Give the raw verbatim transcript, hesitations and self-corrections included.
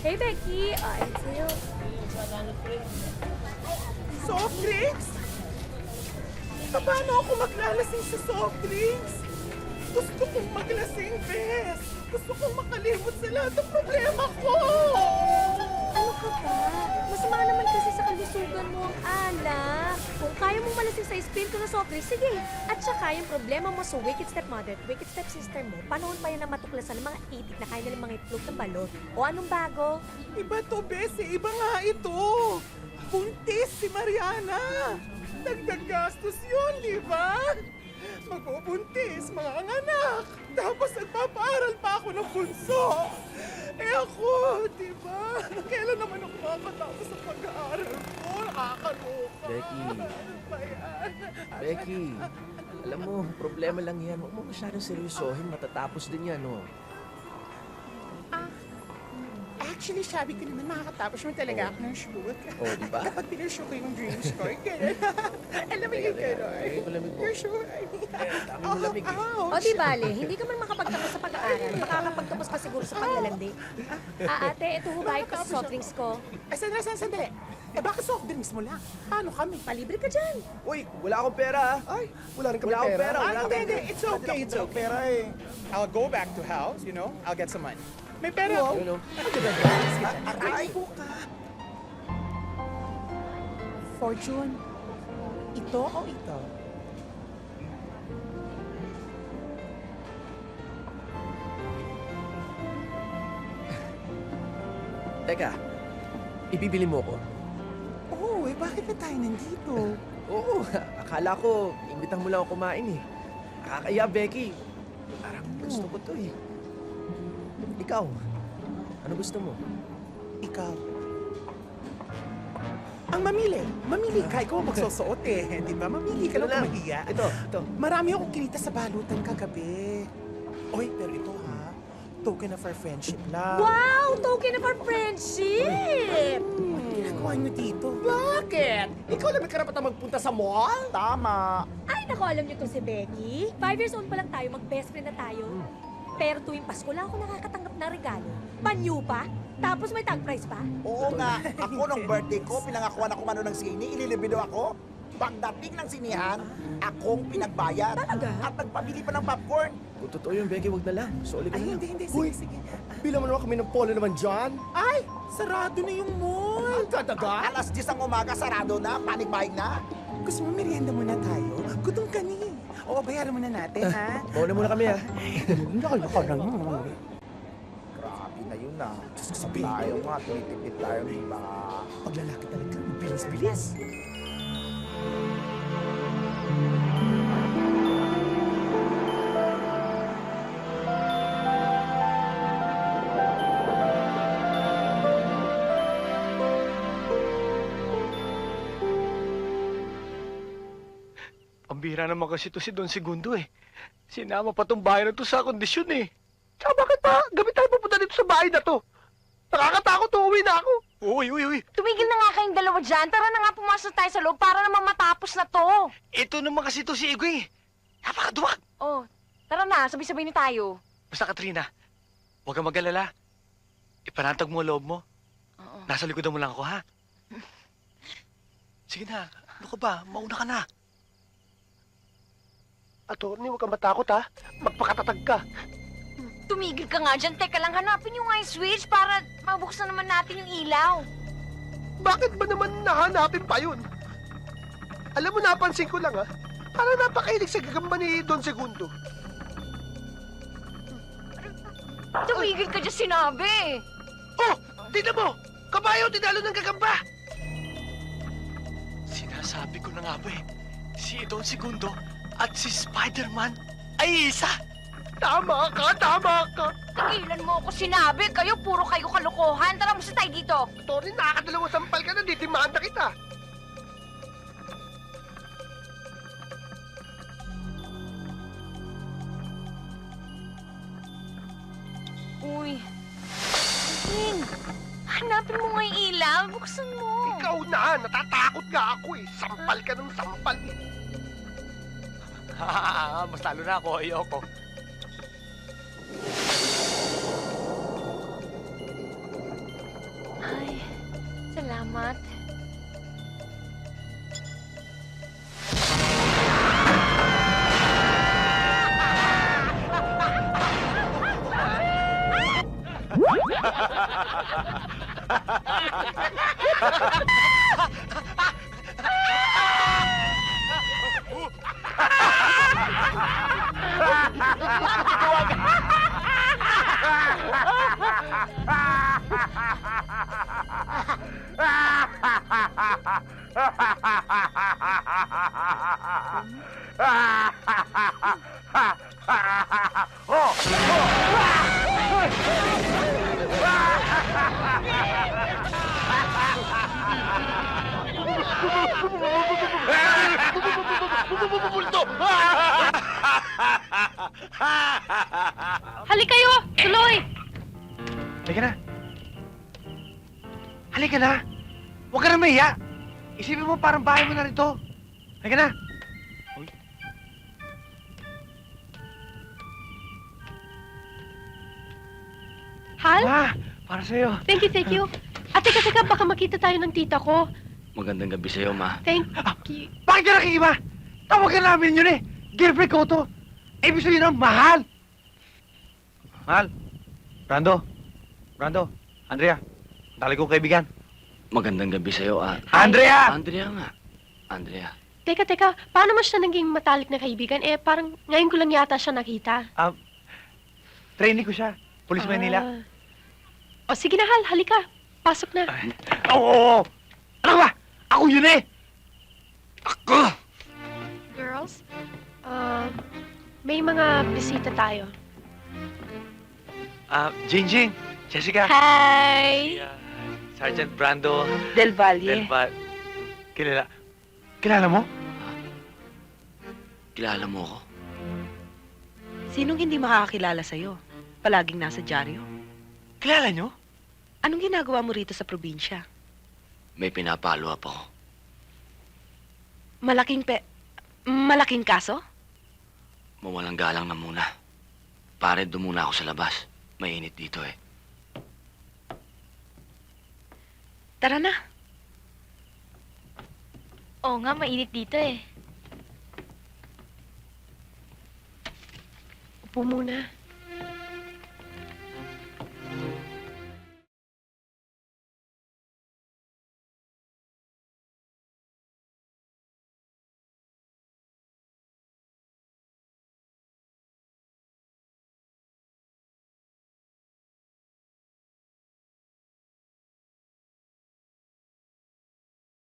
Hey, Becky! Ah, ayun sa'yo. Soft drinks? Paano ako maglalasing sa soft drinks? Gusto kong maglasing, Bes. Gusto kong makalimot sa lahat ng problema ko. Ano ka ba? Masama naman kasi sa kalusugan mo ang alak. Kung kaya mong malasing sa espiritu na soft drinks, sige. At saka yung problema mo sa wicked stepmother at wicked stepsister mo, panahon pa yan na matuklasan ng mga itik na kaya nilang mga itlog ng balot. O anong bago? Iba to, Bes. eh. Iba nga ito. Buntis si Mariana. Dagdag gastos yun, di ba? Magbubuntis, mga anak. Tapos nagpapaaral pa ako ng bunso. Eh ako, di ba? Kailan naman ako makakatapos sa pag-aaral ko? Nakakaloka. Becky. Ano ba yan? Becky, alam mo, problema lang yan. Huwag mo masyadong seryosohin. Matatapos din yan, oh. Actually, sabi ko naman makakatapos mo talaga ako ng shoot. Oh, di ba? Kapag pinashoot ko yung dreams ko, ganun. Alam mo yung gano'n. Lagay ko lamig mo. You're sure? Dami mo lamig eh. Ouch! O di bale, hindi ka man makapagtapos sa pag-aaral, makakapagtapos ka siguro sa paglalandi. Ah, ate, ito hubahay ko sa soft drinks ko. Ay, sandali, sandali, sandali. Eh, bakit soft drinks mo lang? Paano kami? Palibre ka dyan. Uy, wala akong pera, ah. Ay, wala rin kami Wala akong pera. Ah, Wala hindi, tayong hindi. It's okay, it's okay. Pera eh. I'll go back to house, you know? I'll get some money. May pera ako. Yun, oh. Aray po ka. Fortune, ito o ito? Teka, ibibili mo ko? Oo, eh, bakit na tayo nandito? Oo, akala ko, imbitang mo lang ako kumain eh. Nakakaya, Becky. Parang gusto ko to eh. Ikaw, ano gusto mo? Ikaw. Ang mamili. Mamili ka. Ikaw ang magsusuot eh. Di ba? Mamili ka Ito lang lang. kung mahiya. Ito, ito. Marami akong kinita sa balutan kagabi. Oy, pero ito ha. Token of our friendship lang. Wow! Token of our friendship! Ano ginagawa niyo dito? Bakit? Ikaw lang may karapatan magpunta sa mall? Tama. Ay, naku, alam niyo to si Becky. Five years old pa lang tayo, mag-best friend na tayo. Pero tuwing Pasko lang ako nakakatanggap ng regalo. Panyo pa? Tapos may tag price pa? Oo nga, ako nung birthday ko, pinangakuan ako mano ng sini, ililibido ako. Pagdating ng sinihan, akong pinagbayad. Talaga? At nagpabili pa ng popcorn. Kung totoo yun, Becky, wag na lang. Soli ka Ay, na lang. hindi, hindi. Uy. Sige, sige. Bilang mo naman kami ng polo naman dyan. Ay, sarado na yung mall. Ang kadaga. Alas diyes ang umaga, sarado na, panig-buying na. Gusto mo merienda muna tayo? Gutom ka ni. Oo, bayaran muna natin, ha? Mauna muna kami, ah. Hindi ka na ka na. Grabe na yun ah. Diyos ko, sabihin Tayo ko. nga, tumitipid tayo, di ba? Paglalaki talaga, bilis-bilis. Pambira naman kasi to si Don Segundo eh. Sinama pa tong bahay na to sa kondisyon eh. Tsaka bakit pa gabi tayo pupunta dito sa bahay na to? Nakakatakot, uuwi na ako. Uy, uy, uy. Tumigil na nga kayong dalawa dyan. Tara na nga pumasok tayo sa loob para naman matapos na to. Ito naman kasi to si Igwe. Napakaduwag. Oh, tara na. Sabay-sabay na tayo. Basta Katrina, huwag kang mag-alala. Ipanatag mo ang loob mo. Oo. Nasa likodan mo lang ako, ha? Sige na, ano ka ba? Mauna ka na. Attorney, huwag kang matakot, ha? Magpakatatag ka. Tumigil ka nga dyan. Teka lang, hanapin yung ice switch para mabuksan naman natin yung ilaw. Bakit ba naman nahanapin pa yun? Alam mo, napansin ko lang, ha? Parang napakailig sa gagamba ni Don Segundo. Tumigil ka dyan, sinabi. Oh! Tignan mo! Kabayo, tinalo ng gagamba! Sinasabi ko na nga ba eh, si Don Segundo at si Spider-Man ay isa! Tama ka! Tama ka! Tigilan mo ako, sinabi. Kayo, puro kayo kalokohan. Tara, musta tayo dito. Tony, nakakadalawang sampal ka na, ditimanda kita! Uy. King, hanapin mo nga yung ilaw. Buksan mo. Ikaw na! Natatakot nga ako eh! Sampal ka ng sampal eh! Mas lalo na ako, ayoko. Salamat. Halik kayo! Tuloy! Halika na. Halika na. Huwag ka na mahiya. Isipin mo parang bahay mo na rin to. Halika na. Hal? Ma, para sa'yo. Thank you, thank you. At teka, teka, baka makita tayo ng tita ko. Magandang gabi sa'yo, ma. Thank you. Bakit ka nakikiba? Tawagan namin yun eh. Girlfriend ko to. Ibig sabihin ng mahal. Mahal. Brando. Brando. Andrea. Dali kong kaibigan. Magandang gabi sa'yo, ah. Andrea! Andrea nga. Andrea. Teka, teka, paano mo siya naging matalik na kaibigan? Eh, parang ngayon ko lang yata siya nakita. Trainee ko siya. Police Manila. Ah. O sige na, Hal, halika. Pasok na. Oo, oo, oo. Ano ba? Ako yun eh. Ako! Girls, uh, may mga bisita tayo. Ah, Jingjing. Jessica. Hi! Sergeant Brando. Del Valle. Del Val. Kilala. Kilala mo? Kilala mo ako? Sinong hindi makakakilala sa'yo? Palaging nasa dyaryo. Kilala nyo? Anong ginagawa mo rito sa probinsya? May pinapalo up ako. Malaking pe... Malaking kaso? Mawalang galang na muna. Pare, doon muna ako sa labas. Mainit dito eh. Tara na. Oo nga, mainit dito eh. Upo muna.